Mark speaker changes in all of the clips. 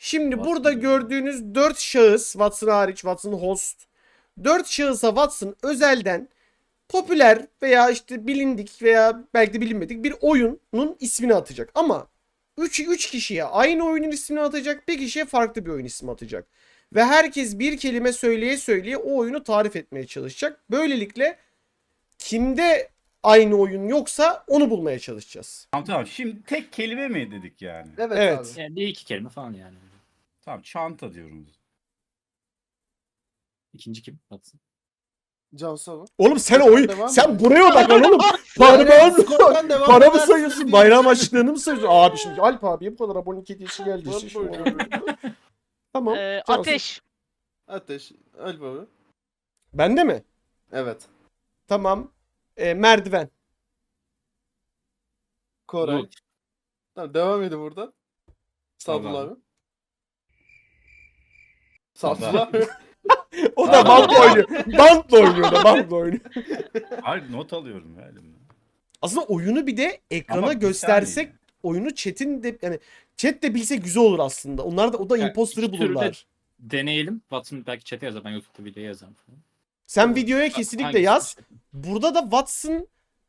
Speaker 1: Şimdi
Speaker 2: Watson
Speaker 1: burada
Speaker 2: diyorum.
Speaker 1: gördüğünüz 4 şahıs, Watson hariç, Watson host. 4 şahısa Watson özelden popüler veya işte bilindik veya belki de bilinmedik bir oyunun ismini atacak. Ama 3 kişiye aynı oyunun ismini atacak, bir kişiye farklı bir oyun ismi atacak. Ve herkes bir kelime söyleye söyleye o oyunu tarif etmeye çalışacak. Böylelikle kimde aynı oyun yoksa onu bulmaya çalışacağız.
Speaker 2: Tamam. Şimdi tek kelime mi dedik yani?
Speaker 3: Evet,
Speaker 1: Evet.
Speaker 3: abi.
Speaker 4: Yani bir iki kelime falan yani.
Speaker 2: Tamam, çanta diyorum.
Speaker 4: İkinci kim? Batsın.
Speaker 3: Cansu abi.
Speaker 1: Oğlum sen
Speaker 3: Skordan
Speaker 1: oyun
Speaker 3: devam
Speaker 1: sen
Speaker 3: mı?
Speaker 1: buraya odaklan oğlum.
Speaker 3: Yani
Speaker 1: Para
Speaker 3: skordan devam
Speaker 1: para mı
Speaker 3: edersin
Speaker 1: sayıyorsun?
Speaker 3: diye.
Speaker 1: Bayram açlığını mı sayıyorsun? Abi şimdi Alp abiye bu kadar abonelik hediyesi geldi.
Speaker 3: Var
Speaker 1: işte
Speaker 3: böyle.
Speaker 1: şimdi. Tamam. Cansu.
Speaker 5: Ateş.
Speaker 3: Ateş. Alp abi.
Speaker 1: Bende mi?
Speaker 3: Evet.
Speaker 1: Tamam. Merdiven.
Speaker 3: Koray.
Speaker 4: Bulut.
Speaker 3: Tamam, devam edin burada. Sadullah
Speaker 2: Tamam.
Speaker 3: abi. Sadullah abi.
Speaker 1: O da bankla oynuyor. Bankla oynuyor da bankla oynuyor.
Speaker 2: Hayır, not alıyorum ya elimde.
Speaker 1: Aslında oyunu bir de ekrana
Speaker 2: Ama bir
Speaker 1: göstersek
Speaker 2: saniye.
Speaker 1: oyunu chat'in de yani chat de bilse güzel olur aslında. Onlar da o da
Speaker 4: Yani
Speaker 1: imposter'ı
Speaker 4: iki türlü de-
Speaker 1: bulurlar.
Speaker 4: Deneyelim. Watson belki chat'e yazar. Ben YouTube'da video yazarım falan.
Speaker 1: Sen videoya kesinlikle
Speaker 4: Hangisi
Speaker 1: yaz.
Speaker 4: işte?
Speaker 1: Burada da Watson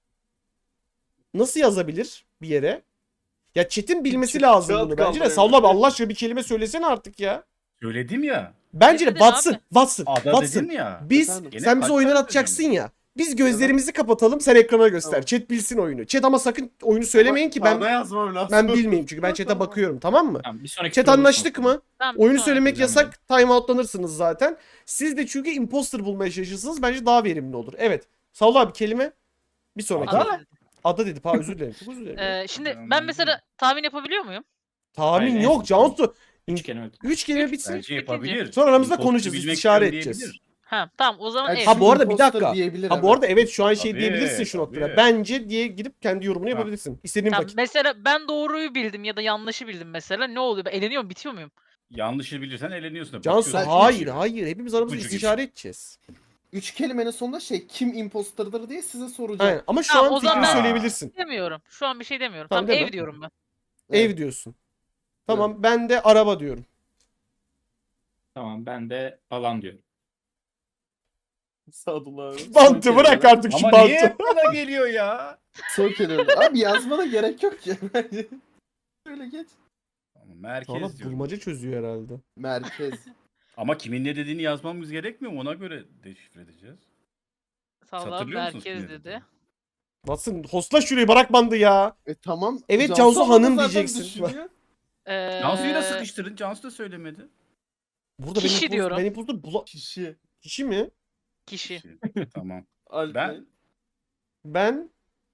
Speaker 1: nasıl yazabilir bir yere? Ya chat'in bilmesi
Speaker 3: Chat-
Speaker 1: lazım
Speaker 3: chat
Speaker 1: bunu bence de.
Speaker 3: kaldırıyor.
Speaker 1: Salla abi Allah aşkına bir kelime söylesene artık ya.
Speaker 2: Söyledim ya.
Speaker 1: Bence de
Speaker 5: Ne dedin
Speaker 1: Watson,
Speaker 5: abi?
Speaker 1: Watson,
Speaker 2: Ada
Speaker 1: Watson.
Speaker 2: dedim ya.
Speaker 1: Biz
Speaker 3: Efendim?
Speaker 2: Gene
Speaker 1: sen bize
Speaker 2: kaç
Speaker 1: oyunları
Speaker 2: tane
Speaker 1: atacaksın
Speaker 2: söyledim?
Speaker 1: ya. Biz gözlerimizi kapatalım, sen ekrana göster.
Speaker 3: Tamam.
Speaker 1: Chat bilsin oyunu. Chat ama sakın oyunu söylemeyin ki
Speaker 3: Kağıda
Speaker 1: ben
Speaker 3: yazmam lazım.
Speaker 1: ben bilmeyeyim çünkü ben chat'e
Speaker 3: Tamam.
Speaker 1: bakıyorum, tamam mı?
Speaker 4: Tamam, bir sonraki
Speaker 1: Chat
Speaker 4: tur olursa
Speaker 1: anlaştık
Speaker 4: bakalım.
Speaker 1: mı?
Speaker 5: Tamam,
Speaker 1: Oyunu
Speaker 5: sonra
Speaker 1: söylemek
Speaker 4: düzenleyelim.
Speaker 1: yasak. Time outlanırsınız zaten. Siz de çünkü imposter bulmaya çalışırsınız. Bence daha verimli olur. Evet. Salla abi kelime. Bir sonraki.
Speaker 5: Ada.
Speaker 1: Ada dedi. Özür dilerim. Çok özür dilerim.
Speaker 5: Şimdi
Speaker 2: Ben
Speaker 5: ben mesela tahmin yapabiliyor muyum?
Speaker 1: Tahmin
Speaker 4: Hayır,
Speaker 1: yok
Speaker 4: en-
Speaker 1: Cansu.
Speaker 4: Üç kelime.
Speaker 1: 3 kelime bitsin.
Speaker 2: Bence yapabilir.
Speaker 1: Sonra aramızda
Speaker 2: Imposter
Speaker 1: konuşacağız,
Speaker 2: bilmek
Speaker 1: istişare
Speaker 2: istiyorum
Speaker 1: edeceğiz.
Speaker 2: diyebilir.
Speaker 5: Ha tamam o zaman
Speaker 3: Yani
Speaker 5: evet.
Speaker 1: Ha
Speaker 3: şu
Speaker 1: bu arada bir
Speaker 3: imposter
Speaker 1: dakika.
Speaker 3: diyebilir
Speaker 1: Ha bu arada evet şu an şey
Speaker 2: Tabii,
Speaker 1: diyebilirsin şu noktada.
Speaker 2: tabii.
Speaker 1: Bence diye gidip kendi yorumunu
Speaker 2: Ha.
Speaker 1: yapabilirsin. İstediğin
Speaker 5: Tamam,
Speaker 1: vakit.
Speaker 5: mesela ben doğruyu bildim ya da yanlışı bildim mesela. Ne oluyor? Ben eleniyor mu? Bitiyor muyum?
Speaker 2: Yanlışı bilirsen eleniyorsun. da
Speaker 1: Cansu
Speaker 2: bakıyorsun.
Speaker 1: hayır hayır. Hepimiz aramızda
Speaker 2: İpucu
Speaker 1: istişare edeceğiz.
Speaker 3: 3 kelimenin sonunda kim imposterdır diye size soracağım.
Speaker 1: Aynen. Ama şu
Speaker 5: Tamam,
Speaker 1: an
Speaker 5: o zaman
Speaker 1: fikrini
Speaker 2: ben-
Speaker 1: söyleyebilirsin.
Speaker 5: Demiyorum. Şu an bir şey demiyorum.
Speaker 1: Tamam,
Speaker 5: Tamam,
Speaker 1: deme.
Speaker 5: ev diyorum ben.
Speaker 1: Ev diyorsun. Tamam ben de araba diyorum.
Speaker 4: Tamam, ben de alan diyorum.
Speaker 3: Sadullah abi.
Speaker 1: Bantı bırak artık şu
Speaker 2: Ama niye
Speaker 1: bantı.
Speaker 2: hep bana geliyor ya?
Speaker 3: Son kelime. Abi yazmana gerek yok ki. Şöyle geç.
Speaker 2: Ama merkez
Speaker 1: Valla
Speaker 2: diyorum.
Speaker 1: bulmaca çözüyor herhalde.
Speaker 3: Merkez.
Speaker 2: Ama kimin ne dediğini yazmamız gerekmiyor mu? Ona göre deşifre edeceğiz.
Speaker 5: Sağlam
Speaker 2: Hatırlıyor musunuz
Speaker 5: merkez
Speaker 2: kimin
Speaker 5: dedi.
Speaker 2: dediğini?
Speaker 1: Watson hostla şurayı bırak bandı ya.
Speaker 3: Tamam.
Speaker 1: Evet, Cansu
Speaker 3: abla
Speaker 1: Hanım
Speaker 3: zaten
Speaker 1: diyeceksin.
Speaker 3: düşünüyor.
Speaker 2: Cansu'yu da sıkıştırın. Cansu da söylemedi.
Speaker 1: Burada
Speaker 5: Kişi
Speaker 1: benim
Speaker 5: diyorum.
Speaker 1: benim imposter
Speaker 3: Kişi.
Speaker 1: kişi mi?
Speaker 5: Kişi.
Speaker 2: Tamam.
Speaker 3: Alp
Speaker 2: Ben-
Speaker 3: Bey.
Speaker 1: Ben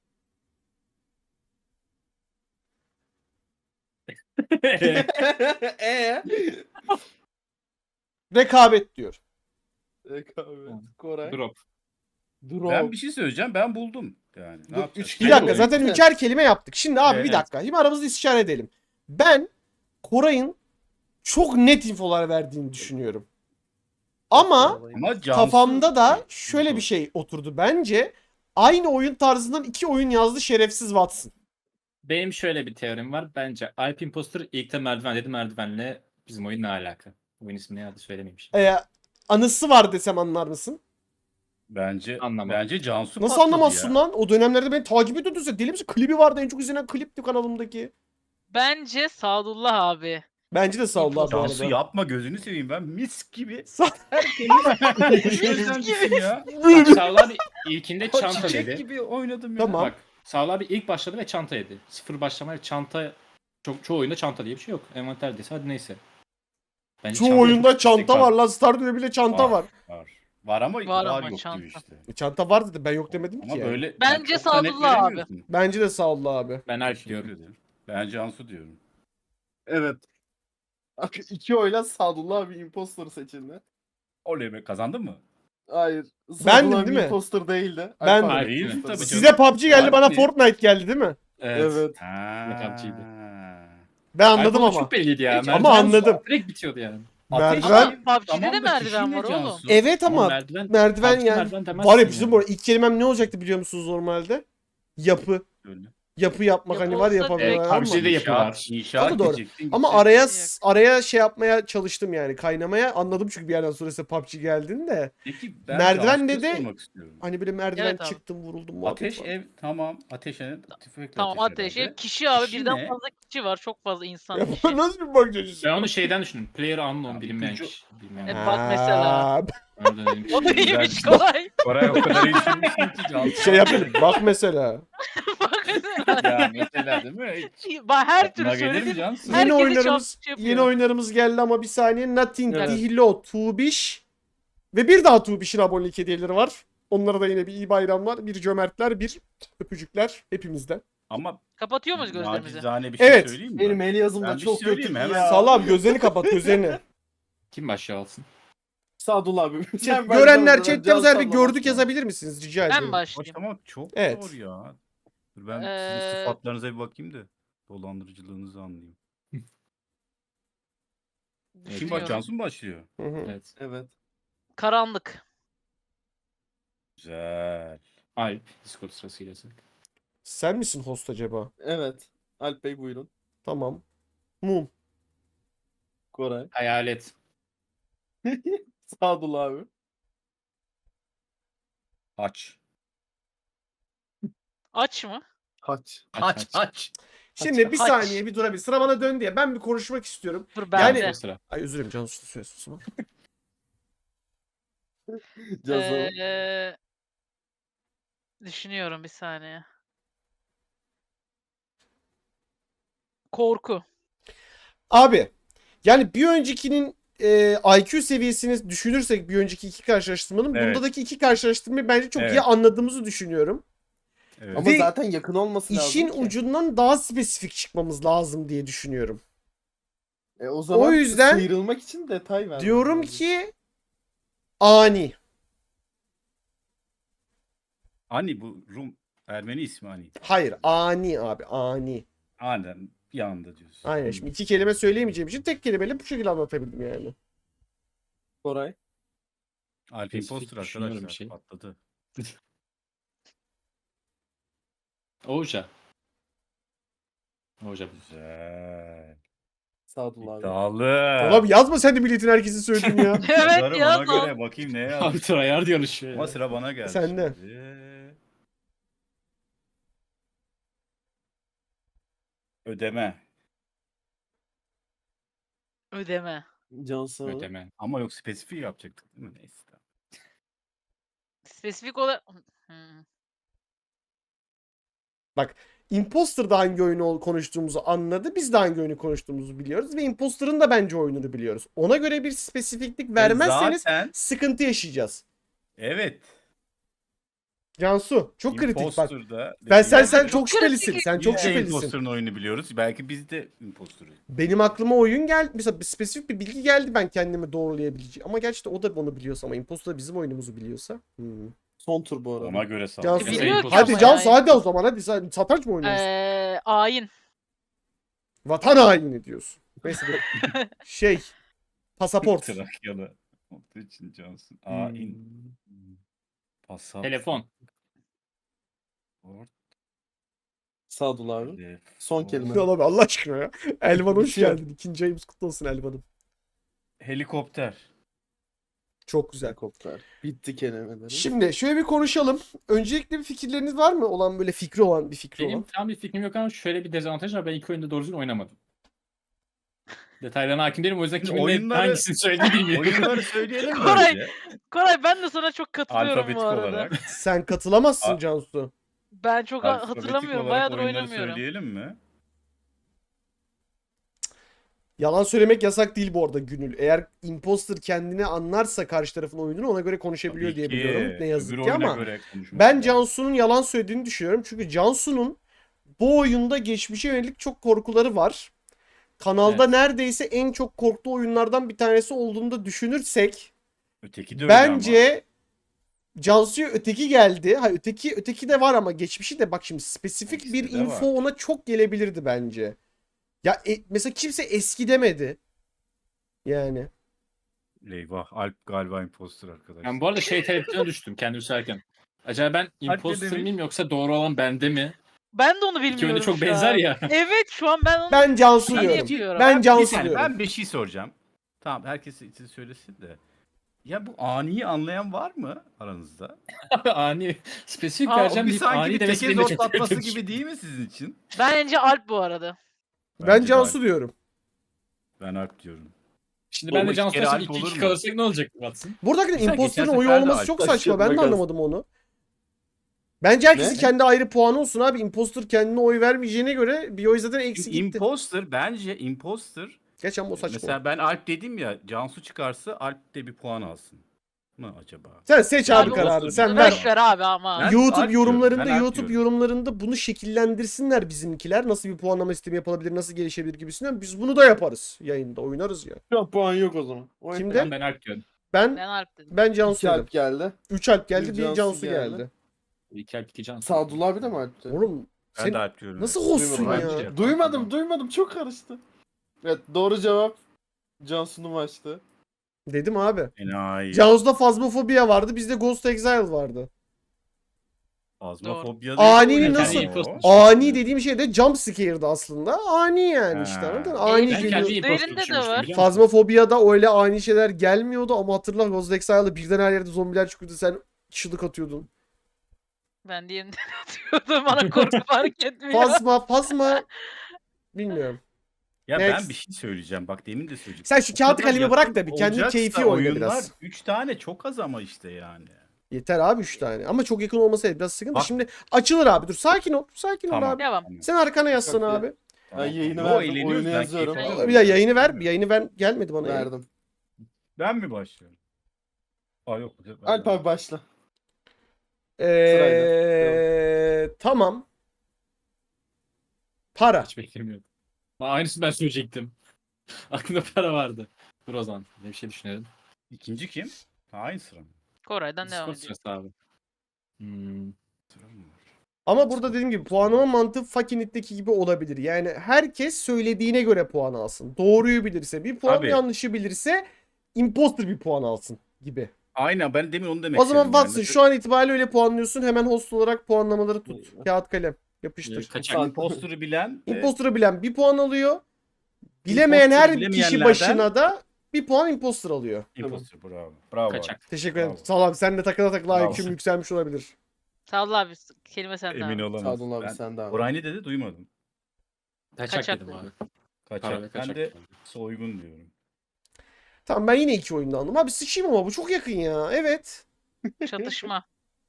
Speaker 1: rekabet diyor.
Speaker 3: Rekabet. Koray.
Speaker 4: Drop.
Speaker 3: Drop.
Speaker 2: Ben bir şey söyleyeceğim. Ben buldum. Yani ne
Speaker 3: Dur,
Speaker 2: yapacağız?
Speaker 3: üç
Speaker 1: Bir
Speaker 3: kelime
Speaker 1: dakika
Speaker 3: mi?
Speaker 1: zaten
Speaker 3: Evet.
Speaker 1: üçer kelime yaptık. Şimdi abi bir
Speaker 4: Evet.
Speaker 1: dakika. Şimdi aramızda istişare edelim. Ben Koray'ın çok net infolar verdiğini düşünüyorum. Ama
Speaker 2: Ama Cansu...
Speaker 1: kafamda da şöyle bir şey oturdu. Bence aynı oyun tarzından 2 oyun yazdı şerefsiz Watson.
Speaker 4: Benim şöyle bir teorim var. Bence Alp Imposter ilk de merdiven dedi. Merdivenle bizim oyun ne alaka? Oyun ismini ya da söylemeyeyim şimdi.
Speaker 1: Anısı var desem anlar mısın?
Speaker 2: Bence
Speaker 4: Anlamadım.
Speaker 2: bence Cansu
Speaker 1: Nasıl
Speaker 2: patladı
Speaker 1: anlamazsın
Speaker 2: ya.
Speaker 1: lan? O dönemlerde beni takip ediyordun sen. Deli misin? Klibi vardı. En çok izlenen klipti kanalımdaki.
Speaker 5: Bence Sadullah abi.
Speaker 1: Bence de sağ ol abi bu
Speaker 2: Cansu
Speaker 1: arada.
Speaker 2: yapma gözünü seveyim ben mis gibi.
Speaker 1: Sa-
Speaker 2: Mis gibi ya.
Speaker 4: Bak, Sağol abi ilkinde
Speaker 2: O
Speaker 4: çanta
Speaker 2: çiçek
Speaker 4: dedi.
Speaker 2: gibi oynadım ya.
Speaker 1: Tamam.
Speaker 4: Bak Sağol abi ilk başladı ve çanta yedi. Sıfır başlamayla çanta çoğu oyunda çanta diye bir şey yok. Envanter dese hadi neyse. Bence
Speaker 1: Çoğu
Speaker 4: çanta
Speaker 1: oyunda
Speaker 4: çok
Speaker 1: çanta
Speaker 4: istek
Speaker 1: var lan. Stardew'de bile çanta var.
Speaker 2: Var ama
Speaker 5: Var
Speaker 2: var
Speaker 5: ama
Speaker 2: yok
Speaker 5: çanta.
Speaker 2: gibi işte.
Speaker 1: Çanta var dedi. Ben yok demedim
Speaker 2: Ama
Speaker 1: ki. Yani.
Speaker 2: böyle
Speaker 5: Bence
Speaker 2: çok da net
Speaker 5: Sadullah abi.
Speaker 2: veremiyorsun.
Speaker 1: Bence de sağ ol abi.
Speaker 4: Ben Alp
Speaker 2: Teşekkür
Speaker 4: diyorum.
Speaker 2: ederim. Ben Cansu diyorum.
Speaker 3: Evet. 2 oyla Sadullah abi imposter seçildi.
Speaker 2: Oley be, kazandın mı?
Speaker 3: Hayır.
Speaker 1: Bendim
Speaker 3: Sadullah abi
Speaker 1: değil mi?
Speaker 3: imposter değildi.
Speaker 1: Ben-
Speaker 3: Alp abi
Speaker 2: Değilsin
Speaker 3: imposter.
Speaker 2: tabii
Speaker 1: Size PUBG geldi
Speaker 2: Var
Speaker 1: bana
Speaker 2: mı?
Speaker 1: Fortnite geldi değil mi?
Speaker 3: Evet.
Speaker 4: Lakapçıydı.
Speaker 1: Ben anladım
Speaker 4: Alp
Speaker 1: ama.
Speaker 4: çok belliydi ya.
Speaker 2: Hiç-
Speaker 1: Ama
Speaker 4: Merdiven
Speaker 1: anladım.
Speaker 4: direkt bitiyordu yani.
Speaker 1: Merdiven.
Speaker 5: PUBG'de de merdiven var oğlum.
Speaker 1: Evet ama merdiven
Speaker 4: PUBG
Speaker 1: yani.
Speaker 4: merdiven demezsin
Speaker 1: Var ya bizim
Speaker 4: yani.
Speaker 1: bu arada ilk kelimem ne olacaktı biliyor musunuz normalde? Yapı. Yapı yapmak hani var
Speaker 5: Yapı olsa
Speaker 1: yapabiliyorlar
Speaker 5: direkt-
Speaker 1: ama.
Speaker 4: PUBG'de yapı var.
Speaker 2: İnşaat
Speaker 1: O da doğru.
Speaker 2: diyecektin,
Speaker 1: Ama
Speaker 2: gidecektin.
Speaker 1: araya şey yapmaya çalıştım yani kaynamaya. Anladım çünkü bir yerden sonra size PUBG geldiğini de.
Speaker 2: Peki ben
Speaker 1: Merdiven
Speaker 2: Cansu'ya
Speaker 1: dedi.
Speaker 2: sormak istiyorum.
Speaker 1: Hani böyle merdiven
Speaker 5: Evet abi.
Speaker 1: çıktım vuruldum muhabbet
Speaker 2: Ateş
Speaker 1: var.
Speaker 2: ev tamam. Ateş ev tüfekle
Speaker 5: Tamam ateş.
Speaker 2: herhalde.
Speaker 5: Kişi abi
Speaker 2: Kişi
Speaker 5: birden
Speaker 2: ne?
Speaker 5: fazla kişi var. Çok fazla insan
Speaker 1: Ya
Speaker 5: kişi.
Speaker 1: nasıl bir bakış açısı?
Speaker 4: Ben onu şeyden düşündüm. Player unknown
Speaker 2: Abi,
Speaker 4: bilinmeyen
Speaker 2: ipucu-
Speaker 4: kişi. Bilmeyen.
Speaker 5: Evet. Bak mesela.
Speaker 1: Ha,
Speaker 4: Orada dedim
Speaker 5: O da
Speaker 4: ki,
Speaker 5: iyiymiş
Speaker 2: güzel.
Speaker 5: kolay.
Speaker 2: Koray o kadar iyi düşünmüşsün ki Cansu.
Speaker 1: şey yapayım. Bak mesela.
Speaker 5: Bak
Speaker 2: Ya mesela değil mi? Hiç
Speaker 5: Bak her türlü
Speaker 2: aklına gelir mi
Speaker 5: söyledim.
Speaker 2: Cansu?
Speaker 5: Herkesi
Speaker 1: Yeni oyunlarımız
Speaker 5: çarpıcı yapıyor.
Speaker 1: yeni oyunlarımız geldi ama bir saniye. Nothing,
Speaker 3: Evet.
Speaker 1: Dihlo, Tubiş ve bir daha Tubiş'in abonelik hediyeleri var. Onlara da yine bir iyi bayramlar, bir cömertler, bir öpücükler hepimizden.
Speaker 2: Ama
Speaker 5: Kapatıyor muyuz gözlerimizi?
Speaker 2: nacizane bir şey
Speaker 1: Evet.
Speaker 2: söyleyeyim mi?
Speaker 3: Benim el yazım
Speaker 2: Ben
Speaker 3: da
Speaker 2: bir
Speaker 3: çok
Speaker 2: şey söyleyeyim
Speaker 3: kötü
Speaker 2: mi?
Speaker 3: ya.
Speaker 2: Hemen
Speaker 1: Salam gözlerini kapat gözlerini.
Speaker 4: kim başlığı alsın?
Speaker 3: Sadullah abi. Sen
Speaker 1: Görenler
Speaker 3: başla,
Speaker 1: chatte yazar bir
Speaker 3: Can
Speaker 1: gördük
Speaker 3: sallama.
Speaker 1: yazabilir misiniz rica
Speaker 5: Ben
Speaker 1: ediyorum.
Speaker 5: başlayayım.
Speaker 2: Başlamak çok
Speaker 1: Evet.
Speaker 2: zor ya. Dur ben sizin
Speaker 5: Ee,
Speaker 2: sıfatlarınıza bir bakayım da dolandırıcılığınızı anlayayım. Kim bak
Speaker 5: Düşünüyorum.
Speaker 2: Cansu mu başlıyor?
Speaker 1: Hı hı.
Speaker 4: Evet.
Speaker 3: Evet.
Speaker 5: Karanlık.
Speaker 2: Güzel.
Speaker 4: Alp. Discord sırasıyla.
Speaker 1: Sen misin host acaba?
Speaker 3: Evet. Alp Bey buyurun.
Speaker 1: Tamam. Mum.
Speaker 3: Koray.
Speaker 4: Hayalet.
Speaker 3: Sadullah abi.
Speaker 2: Aç.
Speaker 5: Aç mı?
Speaker 3: Haç.
Speaker 2: Aç aç.
Speaker 1: Şimdi bir
Speaker 5: Haç.
Speaker 1: saniye bir durabilir. Sıra bana dön diye. Ben bir konuşmak istiyorum.
Speaker 5: Dur
Speaker 1: Yani-
Speaker 5: bende.
Speaker 4: O sıra.
Speaker 1: Ay özür dilerim Cansu söylesin o zaman.
Speaker 3: Cazı.
Speaker 5: Düşünüyorum bir saniye. Korku.
Speaker 1: Abi yani bir öncekinin IQ seviyesini düşünürsek bir önceki iki karşılaştırmanın
Speaker 2: Evet.
Speaker 1: bundaki iki karşılaştırmayı bence çok iyi
Speaker 2: Evet.
Speaker 1: anladığımızı düşünüyorum.
Speaker 2: Evet.
Speaker 3: Ama
Speaker 1: Ve
Speaker 3: zaten yakın olması lazım
Speaker 1: İşin
Speaker 3: ki.
Speaker 1: ucundan daha spesifik çıkmamız lazım diye düşünüyorum.
Speaker 3: O zaman
Speaker 1: O yüzden
Speaker 3: sıyrılmak için detay ver.
Speaker 1: Diyorum ki ani.
Speaker 2: Ani bu Rum Ermeni ismi Ani.
Speaker 1: Hayır ani abi ani.
Speaker 2: Aynen bir anda diyorsun.
Speaker 1: Aynen şimdi iki kelime söyleyemeyeceğim için tek kelimeyle bu şekilde anlatabildim yani.
Speaker 3: Koray.
Speaker 2: Alp
Speaker 4: Spesifik
Speaker 2: Imposter
Speaker 4: düşünüyorum
Speaker 2: arkadaşlar
Speaker 4: bir şey.
Speaker 2: patladı.
Speaker 4: Oja. Oja.
Speaker 2: Güzel.
Speaker 3: Sadullah abi.
Speaker 2: İddialı.
Speaker 1: Abi yazma sen de milletin herkesi söyledin ya.
Speaker 5: Evet
Speaker 2: Yazarım,
Speaker 5: ya.
Speaker 2: ona göre bakayım ne
Speaker 4: Abi
Speaker 2: yazmış.
Speaker 4: tryhard yarışıyor
Speaker 2: Ama
Speaker 4: ya.
Speaker 2: sıra bana geldi.
Speaker 1: Sende.
Speaker 2: Şimdi. Ödeme.
Speaker 5: Ödeme.
Speaker 3: Cansu.
Speaker 4: Ödeme.
Speaker 2: Ama yok spesifik yapacaktık değil mi? Neyse. tamam.
Speaker 5: Spesifik olarak... Hmm.
Speaker 1: Imposter'da hangi oyunu konuştuğumuzu anladı. Biz de hangi oyunu konuştuğumuzu biliyoruz. Ve Imposter'ın da bence oyununu biliyoruz. Ona göre bir spesifiklik vermezseniz
Speaker 2: Zaten
Speaker 1: sıkıntı yaşayacağız.
Speaker 2: evet.
Speaker 1: Cansu çok kritik bak.
Speaker 2: Imposter'da
Speaker 1: Sen
Speaker 5: Çok
Speaker 1: çok şüphelisin.
Speaker 5: kritik.
Speaker 1: Sen
Speaker 2: Biz
Speaker 1: çok
Speaker 2: de
Speaker 1: şüphelisin.
Speaker 2: Imposter'ın oyunu biliyoruz. Belki biz de Imposter'ız.
Speaker 1: Benim aklıma oyun geldi. Mesela bir spesifik bir bilgi geldi ben kendimi doğrulayabileceğim. Ama gerçi de o da onu biliyorsa ama Imposter da bizim oyunumuzu biliyorsa.
Speaker 3: Son tur bu arada.
Speaker 2: Ona göre sağ
Speaker 1: Cansu.
Speaker 5: Biliyor ki
Speaker 1: Hadi
Speaker 5: ama
Speaker 1: Cansu
Speaker 5: yani.
Speaker 1: hadi o zaman hadi sen satranç mı oynuyorsun?
Speaker 5: Ayin.
Speaker 1: Vatan haini diyorsun. Neyse dur. Şey pasaport.
Speaker 2: Trakyalı. Olduğu için Johnson.
Speaker 3: Hmm.
Speaker 2: Ain. Pasaport.
Speaker 4: Telefon.
Speaker 3: Sadullah abi. Son kelime.
Speaker 1: Ne abi Allah aşkına ya. Elvan hoş
Speaker 3: Bitiyor.
Speaker 1: geldin. İkinci ayımız kutlu olsun Elvan'ım.
Speaker 2: Helikopter.
Speaker 1: Çok güzel.
Speaker 3: Helikopter. Bitti kelimeleri.
Speaker 1: Şimdi şöyle bir konuşalım. Öncelikle bir fikirleriniz var mı? Olan böyle fikri olan bir fikri
Speaker 4: Benim
Speaker 1: olan.
Speaker 4: tam bir fikrim yok ama şöyle bir dezavantaj var. Ben ilk oyunda doğru düzgün oynamadım. Detaylarına hakim değilim. O yüzden
Speaker 2: Şimdi
Speaker 4: kimin
Speaker 2: oyunları-
Speaker 4: hangisini söylediğini bilmiyorum.
Speaker 2: Oyunları söyleyelim mi
Speaker 5: Koray,
Speaker 2: önce?
Speaker 5: Koray ben de sana çok katılıyorum
Speaker 2: Alfabetik
Speaker 5: bu arada.
Speaker 2: olarak.
Speaker 1: Sen katılamazsın
Speaker 2: A-
Speaker 1: Cansu.
Speaker 5: Ben çok
Speaker 2: Alfabetik
Speaker 5: hatırlamıyorum.
Speaker 2: olarak
Speaker 5: Bayağıdır
Speaker 2: oyunları
Speaker 5: oynamıyorum.
Speaker 2: söyleyelim mi?
Speaker 1: Yalan söylemek yasak değil bu arada Gönül. Eğer imposter kendini anlarsa karşı tarafın oyununu ona göre konuşabiliyor
Speaker 2: Tabii
Speaker 1: diye
Speaker 2: ki.
Speaker 1: biliyorum. Ne yazık
Speaker 2: Öbür
Speaker 1: ki
Speaker 2: oyuna
Speaker 1: ama
Speaker 2: göre konuşmak
Speaker 1: ben
Speaker 2: lazım.
Speaker 1: Cansu'nun yalan söylediğini düşünüyorum. Çünkü Cansu'nun bu oyunda geçmişe yönelik çok korkuları var. Kanalda
Speaker 4: Evet.
Speaker 1: neredeyse en çok korktuğu oyunlardan bir tanesi olduğunu da düşünürsek
Speaker 2: Öteki de öyle ama.
Speaker 1: bence Cansu'ya öteki geldi. Ha öteki de var ama geçmişi de bak şimdi spesifik
Speaker 2: İkisi
Speaker 1: bir
Speaker 2: de
Speaker 1: info
Speaker 2: var.
Speaker 1: ona çok gelebilirdi bence. Ya mesela kimse eski demedi. Yani.
Speaker 2: Eyvah. Alp galiba imposter arkadaşlar.
Speaker 4: Ben bu arada şey tereddütüne düştüm kendimi söylerken. Acaba ben imposter
Speaker 2: demiş.
Speaker 4: miyim yoksa doğru olan bende mi?
Speaker 5: Ben de onu
Speaker 4: İki
Speaker 5: bilmiyorum
Speaker 4: oyunda çok
Speaker 5: şu
Speaker 4: benzer
Speaker 5: an.
Speaker 4: ya.
Speaker 5: Evet şu an ben onu
Speaker 1: Ben Cansu
Speaker 5: Ben
Speaker 1: diyorum.
Speaker 5: yapıyorum.
Speaker 1: Ben
Speaker 2: Bir
Speaker 1: Cansu
Speaker 2: saniye,
Speaker 1: diyorum.
Speaker 2: ben bir şey soracağım. Tamam, herkes için söylesin de. Ya bu aniyi anlayan var mı aranızda?
Speaker 4: Ani spesifik
Speaker 5: Aa,
Speaker 4: vereceğim
Speaker 2: Bir
Speaker 4: deyip
Speaker 2: sanki
Speaker 4: ani
Speaker 2: bir
Speaker 4: demesi
Speaker 2: teke
Speaker 4: beni de çok
Speaker 2: zortlatması
Speaker 4: şaşırtmış.
Speaker 2: gibi değil mi sizin için?
Speaker 5: Bence Alp bu arada.
Speaker 1: Ben
Speaker 2: Bence de
Speaker 1: Cansu
Speaker 2: Alp.
Speaker 1: diyorum.
Speaker 2: Ben Alp diyorum.
Speaker 4: Şimdi ben de
Speaker 2: Oğlum,
Speaker 4: Cansu
Speaker 2: iki kere
Speaker 4: Taş'ın
Speaker 2: Alp olur
Speaker 4: 2-2
Speaker 2: mu?
Speaker 4: kalırsak ne olacak Watson?
Speaker 1: Buradaki
Speaker 2: Mesela
Speaker 1: imposterın
Speaker 2: geçen
Speaker 1: oyu
Speaker 2: sefer de
Speaker 1: olması
Speaker 2: Alp
Speaker 1: çok
Speaker 3: taşıyor,
Speaker 1: saçma. Ben de
Speaker 3: makas.
Speaker 1: anlamadım onu. Bence herkesin
Speaker 3: Ne?
Speaker 1: kendi ayrı puanı olsun abi. Imposter kendine oy vermeyeceğine göre bir oy zaten eksi gitti.
Speaker 2: Imposter, bence imposter.
Speaker 1: Geçen o saçma.
Speaker 2: Mesela ben Alp dedim ya, Cansu çıkarsa Alp de bir puan alsın mı acaba?
Speaker 1: Sen seç
Speaker 2: Yani
Speaker 1: abi
Speaker 2: o
Speaker 1: kararını.
Speaker 2: olsun.
Speaker 1: Sen ver.
Speaker 5: Boş ver abi ama.
Speaker 2: Ben
Speaker 1: YouTube
Speaker 2: Alp
Speaker 1: yorumlarında
Speaker 2: diyorum, ben Alp diyorum.
Speaker 1: bunu şekillendirsinler bizimkiler. Nasıl bir puanlama sistemi yapılabilir, nasıl gelişebilir gibisinden. Biz bunu da yaparız yayında. Oynarız ya.
Speaker 3: Şu an puan yok o zaman. Oy.
Speaker 1: Kimde?
Speaker 4: Ben Alp diyorum.
Speaker 1: Ben
Speaker 5: Ben Alp dedim.
Speaker 1: ben Cansu
Speaker 3: 2
Speaker 1: dedim.
Speaker 3: Alp geldi.
Speaker 1: 3 Alp geldi,
Speaker 3: Bir
Speaker 1: bir
Speaker 3: Cansu
Speaker 1: Cansu
Speaker 3: geldi.
Speaker 1: geldi.
Speaker 4: 2 Alp 2 Cansu.
Speaker 3: Sadullah abi de mi Alp'ti?
Speaker 1: Oğlum
Speaker 2: Ben
Speaker 1: sen
Speaker 2: de Alp diyorum.
Speaker 1: nasıl hoşsun
Speaker 3: Duymadım.
Speaker 1: ya?
Speaker 2: Bence.
Speaker 3: Duymadım. Çok karıştı. Evet, doğru cevap Cansu'nun maçtı.
Speaker 1: Dedim abi.
Speaker 2: Enayi.
Speaker 1: Cansu'da fazmafobia vardı, bizde Ghost Exile vardı.
Speaker 2: Fazmafobia
Speaker 1: Ani
Speaker 2: değil.
Speaker 1: nasıl-
Speaker 2: Yani
Speaker 1: Ani dediğim şey de jump scare'dı aslında. Ani yani işte
Speaker 2: Ha.
Speaker 1: anladın mı?
Speaker 5: Ben
Speaker 1: Ani
Speaker 4: Ben
Speaker 1: geliyor.
Speaker 4: kendi
Speaker 5: Üzerinde
Speaker 4: imposter
Speaker 5: de
Speaker 4: düşünmüştüm
Speaker 5: var.
Speaker 4: biliyor musun?
Speaker 1: Fazmafobia'da öyle ani şeyler gelmiyordu ama hatırla Ghost Exile'da birden her yerde zombiler çıkıyordu, sen çığlık atıyordun.
Speaker 5: Ben diğerinden atıyordum. Bana korku fark etmiyor.
Speaker 1: Fazma bilmiyorum.
Speaker 2: Ya
Speaker 1: Next.
Speaker 2: ben bir şey söyleyeceğim. Bak demin de söyleyeceğim.
Speaker 1: Sen şu
Speaker 2: O
Speaker 1: kağıt
Speaker 2: kadar
Speaker 1: kalemi bırak da
Speaker 2: yakın
Speaker 1: bir kendi
Speaker 2: olacaksa
Speaker 1: keyfi oyna
Speaker 2: oyunlar,
Speaker 1: biraz.
Speaker 2: 3 tane çok az ama işte yani.
Speaker 1: Yeter abi 3 tane. Ama çok yakın olmasaydı biraz sıkıntı.
Speaker 2: Bak.
Speaker 1: Şimdi açılır abi. Dur sakin ol. Sakin ol
Speaker 2: Tamam.
Speaker 1: abi.
Speaker 5: Devam.
Speaker 2: Tamam.
Speaker 1: Sen arkana yaslan
Speaker 3: Yok ya.
Speaker 1: abi.
Speaker 2: Tamam.
Speaker 3: yayını
Speaker 2: Yo,
Speaker 3: verdim,
Speaker 2: eğleniyoruz,
Speaker 3: oyunu
Speaker 2: ben
Speaker 3: yazıyorum.
Speaker 2: keyif
Speaker 5: Bir
Speaker 2: alıyorum.
Speaker 1: Bir daha yayını ver. Bir yayını ver. Gelmedi bana yayın.
Speaker 3: Verdim.
Speaker 2: Ben mi başlıyorum? Aa yok.
Speaker 3: Alp abi başla.
Speaker 1: Tamam. Para.
Speaker 4: Hiç beklemiyordum. Aynısını ben söyleyecektim. Aklımda para vardı. Dur o zaman. Ne bir şey düşünelim.
Speaker 2: İkinci kim? Ha, aynı sıra mı?
Speaker 5: Koray'dan devam
Speaker 4: Discord
Speaker 5: ediyor.
Speaker 4: sırası abi. Hmm.
Speaker 2: Sıra mı var?
Speaker 1: Ama burada dediğim gibi puanlama mantığı Fucking It'teki gibi olabilir. Yani herkes söylediğine göre puan alsın. Doğruyu bilirse bir puan,
Speaker 2: Tabii.
Speaker 1: yanlışı bilirse imposter bir puan alsın gibi.
Speaker 2: Aynen, ben demin onu demek
Speaker 1: O zaman
Speaker 2: istedim yani.
Speaker 1: Watson şu an itibariyle öyle puanlıyorsun. Hemen host olarak puanlamaları tut. Kağıt kalem. Yapıştır.
Speaker 4: Kaçak.
Speaker 2: Imposter'ı bilen ve
Speaker 1: Imposter'ı bilen bir puan alıyor. Bilemeyen her
Speaker 2: Imposter'ı
Speaker 1: kişi
Speaker 2: bilemeyenlerden-
Speaker 1: başına da bir puan imposter alıyor.
Speaker 2: Imposter, bravo. Bravo.
Speaker 4: Kaçak.
Speaker 1: Teşekkür ederim.
Speaker 2: Bravo.
Speaker 1: Sağ ol abi. Sen de takıla takıla
Speaker 2: Bravo.
Speaker 1: IQ'm yükselmiş olabilir.
Speaker 5: Sağ ol abi. Kelime sende
Speaker 2: Emin
Speaker 5: abi.
Speaker 2: olamaz.
Speaker 3: Sadullah abi
Speaker 2: Ben
Speaker 3: sen de abi.
Speaker 2: Koray ne dedi duymadım.
Speaker 4: Kaçak,
Speaker 5: Kaçak
Speaker 4: dedim
Speaker 5: dedim.
Speaker 4: abi. Para
Speaker 2: Kaçak.
Speaker 4: ve
Speaker 2: Ben
Speaker 4: kaçak.
Speaker 2: de soygun diyorum.
Speaker 1: Tamam ben yine iki oyunda aldım. Abi sıçayım ama bu çok yakın ya. Evet.
Speaker 5: Çatışma.